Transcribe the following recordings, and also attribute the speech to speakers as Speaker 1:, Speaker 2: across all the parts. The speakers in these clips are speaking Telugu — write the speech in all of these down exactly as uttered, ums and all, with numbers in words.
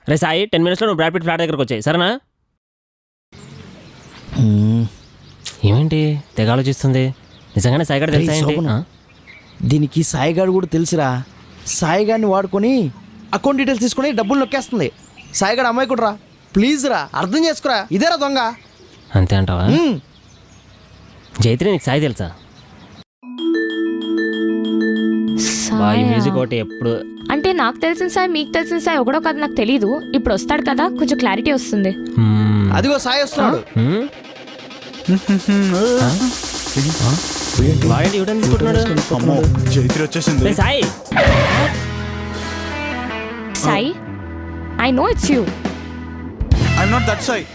Speaker 1: రే సాయి టెన్ మినిట్స్లో నువ్వు బ్రాడ్ పిట్ ఫ్లాట్ దగ్గరకు వచ్చాయి సరేనా? ఏమేంటి తెగ ఆలోచిస్తుంది? నిజంగానే సాయిగాడు తెలుసా ఏంటి?
Speaker 2: దీనికి సాయిగాడు కూడా తెలుసురా. సాయిగాడిని వాడుకొని అకౌంట్ డీటెయిల్స్ తీసుకొని డబ్బులు నొక్కేస్తుంది. సాయిగాడు అమ్మాయి కూడా రా, ప్లీజ్ రా, అర్థం చేసుకురా. ఇదేరా దొంగ.
Speaker 1: అంతే అంటావా? జైత్రి నీకు సాయి తెలుసా? బాయ్ మ్యూజిక్ ఒకటి ఎప్పుడు
Speaker 3: అంటే నాకు తెలిసిన సాయి మీకు తెలిసిన సాయి ఒకడో కదా నాకు తెలీదు. ఇప్పుడు వస్తాడు కదా కొంచెం క్లారిటీ వస్తుంది.
Speaker 2: అదిగో సాయి వస్తున్నాడు.
Speaker 4: జైత్రి వచ్చేసింది.
Speaker 1: Sai
Speaker 3: Sai I know it's you.
Speaker 4: I'm not that Sai.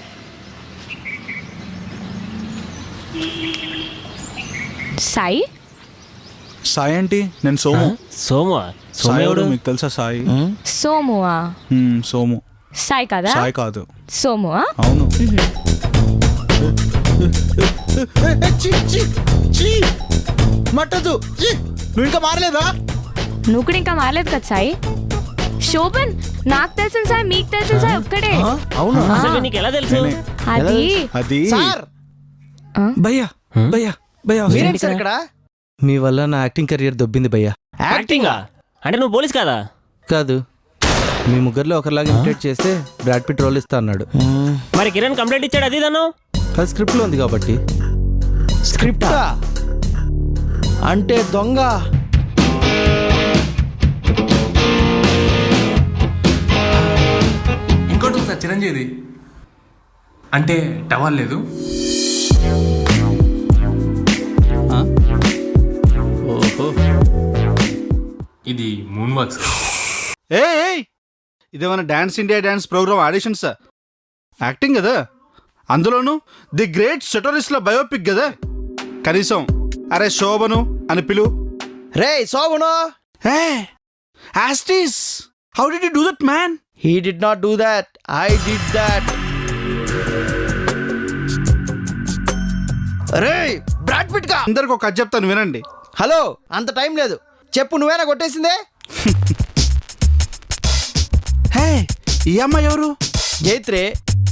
Speaker 3: Sai
Speaker 4: Sai ఏంటి? నేను సోము.
Speaker 1: సోము సోమేవుడు
Speaker 4: మీకు తెలుసా? సాయి
Speaker 3: సోమువా?
Speaker 4: సోము.
Speaker 3: సాయి కదా?
Speaker 4: సాయి కాదు,
Speaker 3: సోమువా?
Speaker 4: అవును.
Speaker 2: మట్టదు, నువ్వు ఇంకా మారలేదా?
Speaker 3: నువ్వు కూడా ఇంకా మారలేదు కదా సాయి. శోభన్ నాకు తెలిసిన సాయి మీకు తెలిసిన సాయి ఒక్కడే.
Speaker 2: అవునా?
Speaker 1: అసలు నీకు ఎలా తెలుసు?
Speaker 3: అది
Speaker 4: అది
Speaker 2: సార్
Speaker 5: భయ్యా భయ్యా భయ్యా
Speaker 2: మీరేంటి సార్ ఇక్కడ?
Speaker 5: మీ వల్ల నా యాక్టింగ్ కెరియర్ దొబ్బింది భయ్యా.
Speaker 1: యాక్టింగా? అంటే నువ్వు పోలీస్ కాదా?
Speaker 5: కాదు, మీ ముగ్గురులో ఒకరిలాగా ఇమిటేట్ చేస్తే బ్రాడ్ పిట్ రోల్ ఇస్తా అన్నాడు.
Speaker 1: మరి కిరణ్ కంప్లైంట్ ఇచ్చాడు అది దాను.
Speaker 5: అది స్క్రిప్ట్ లో ఉంది కాబట్టి.
Speaker 2: స్క్రిప్టా అంటే దొంగ.
Speaker 6: ఇంకోటి సార్ చిరంజీవి అంటే టవల్ లేదు.
Speaker 5: ఓహో,
Speaker 6: ఇది మూన్ వర్క్స్.
Speaker 4: ఏ ఇదేమన్నా dance India dance program auditions? Acting కదా, అందులోను ది గ్రేట్ సెటరిస్ట్ల బయోపిక్ కదా. కనీసం అరే శోభను అని పిలు.
Speaker 2: రే శోభను.
Speaker 4: Hey Austis, how did you do that man?
Speaker 2: He did not do that. I did that. రే బ్రాడ్ పిట్ గా
Speaker 4: అందరికి ఒక కథ చెప్తాను వినండి.
Speaker 2: హలో, అంత టైం లేదు, చెప్పు. నువ్వేనా కొట్టేసిందే?
Speaker 4: హే ఈ అమ్మాయి ఎవరు?
Speaker 2: జైత్రి.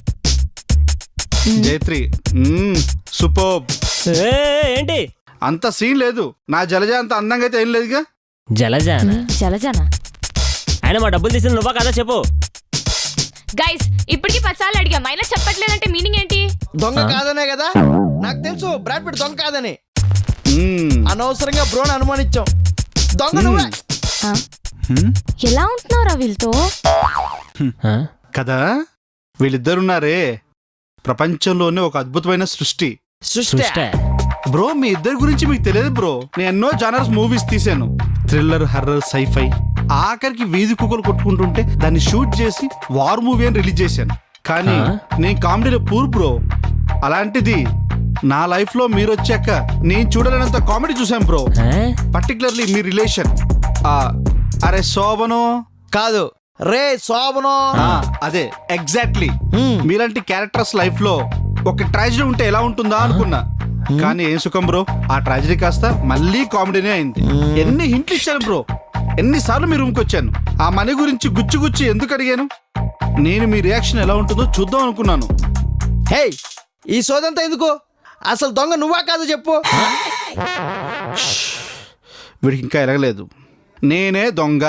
Speaker 4: జైత్రి సూపర్.
Speaker 1: ఏంటి
Speaker 4: అంత సీన్ లేదు. నా జలజ అంత అందంగా అయితే ఏం లేదుగా.
Speaker 1: జలజానా?
Speaker 3: జలజానా?
Speaker 1: ఆయన మా డబ్బులు తీసింది నువ్వా కదా చెప్పు.
Speaker 3: గైస్ ఇప్పటికి పచ్చాలు అడిగా మైనా చెప్పట్లేదంటే మీనింగ్ ఏంటి?
Speaker 2: దొంగ కాదనే కదా నాకు తెలుసు. బ్రాడ్ పిట్ దొంగ కాదని. అనవసరంగా బ్రోని అనుమానించాం. దొంగ నువ్వే
Speaker 3: ఎలా ఉంటున్నారా వీళ్ళతో?
Speaker 4: కదా వీళ్ళిద్దరున్నారే ప్రపంచంలోనే ఒక అద్భుతమైన సృష్టి.
Speaker 2: సృష్టి.
Speaker 4: బ్రో మీ ఇద్దరి గురించి మీకు తెలియదు బ్రో. నేను ఎన్నో జానర్స్ మూవీస్ తీసాను. థ్రిల్లర్, హర్రర్, సైఫై, ఆఖరికి వీధి కుక్కలు కొట్టుకుంటుంటే దాన్ని షూట్ చేసి వార్ మూవీ అని రిలీజ్ చేశాను. కానీ నేను కామెడీలో పూర్ బ్రో. అలాంటిది నా లైఫ్ లో మీరు వచ్చాక నేను చూడలేనంత కామెడీ చూసాను బ్రో. పర్టికులర్లీ మీ రిలేషన్. అరే శోభను
Speaker 2: కాదు, రే శోభను.
Speaker 4: అదే ఎగ్జాక్ట్లీ. మీలాంటి క్యారెక్టర్స్ లైఫ్ లో ఒక ట్రాజడీ ఉంటే ఎలా ఉంటుందా అనుకున్నా. కానీ ఏం సుఖం బ్రో, ఆ ట్రాజడీ కాస్త మళ్ళీ కామెడీనే అయింది. ఎన్ని హింట్లు ఇచ్చాను బ్రో, ఎన్నిసార్లు మీ రూమ్కి వచ్చాను. ఆ మనీ గురించి గుచ్చి గుచ్చి ఎందుకు అడిగాను? నేను మీ రియాక్షన్ ఎలా ఉంటుందో చూద్దాం అనుకున్నాను.
Speaker 2: హే ఈ సోదంతా ఎందుకు? అసలు దొంగ నువ్వా కాదు చెప్పు.
Speaker 4: వీడికి ఇంకా ఎరగలేదు. నేనే దొంగ.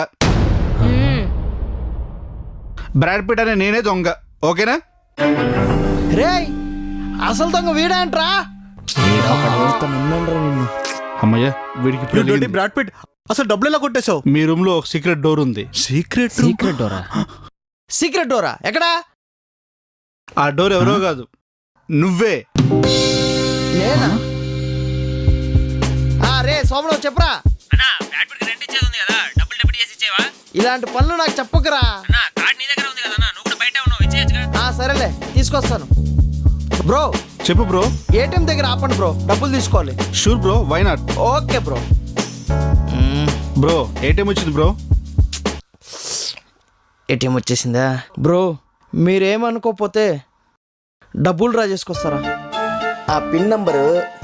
Speaker 4: బ్రాడ్ పిట్ అనే నేనే దొంగ. ఓకేనా?
Speaker 2: రే అసలు దొంగ వీడా అంట్రా.
Speaker 4: అమ్మయ్య వీడికి ఇప్పుడు
Speaker 7: బ్రాడ్ పిట్ అసలు డబ్బులు ఎలా కొట్టేశావు?
Speaker 4: మీ రూమ్ లో ఒక సీక్రెట్ డోర్ ఉంది.
Speaker 7: సీక్రెట్
Speaker 1: సీక్రెట్ డోరా?
Speaker 2: సీక్రెట్ డోరా ఎక్కడా?
Speaker 4: ఆ డోర్ ఎవరో కాదు, నువ్వే.
Speaker 2: నేనా? రే సోమరావు చెప్పరా. ఇలాంటి పనులు నాకు చెప్పకురా. సరేలే తీసుకొస్తాను. బ్రో
Speaker 4: చెప్పు బ్రో.
Speaker 2: ఏటీఎం దగ్గర ఆపండి బ్రో, డబ్బులు తీసుకోవాలి.
Speaker 4: Sure bro, why not.
Speaker 2: Okay bro.
Speaker 4: Bro ATM వచ్చింది బ్రో.
Speaker 2: ఏటీఎం వచ్చేసిందా? బ్రో మీరేమనుకోకపోతే డబ్బులు డ్రా చేసుకొస్తారా? ఆ పిన్ నంబరు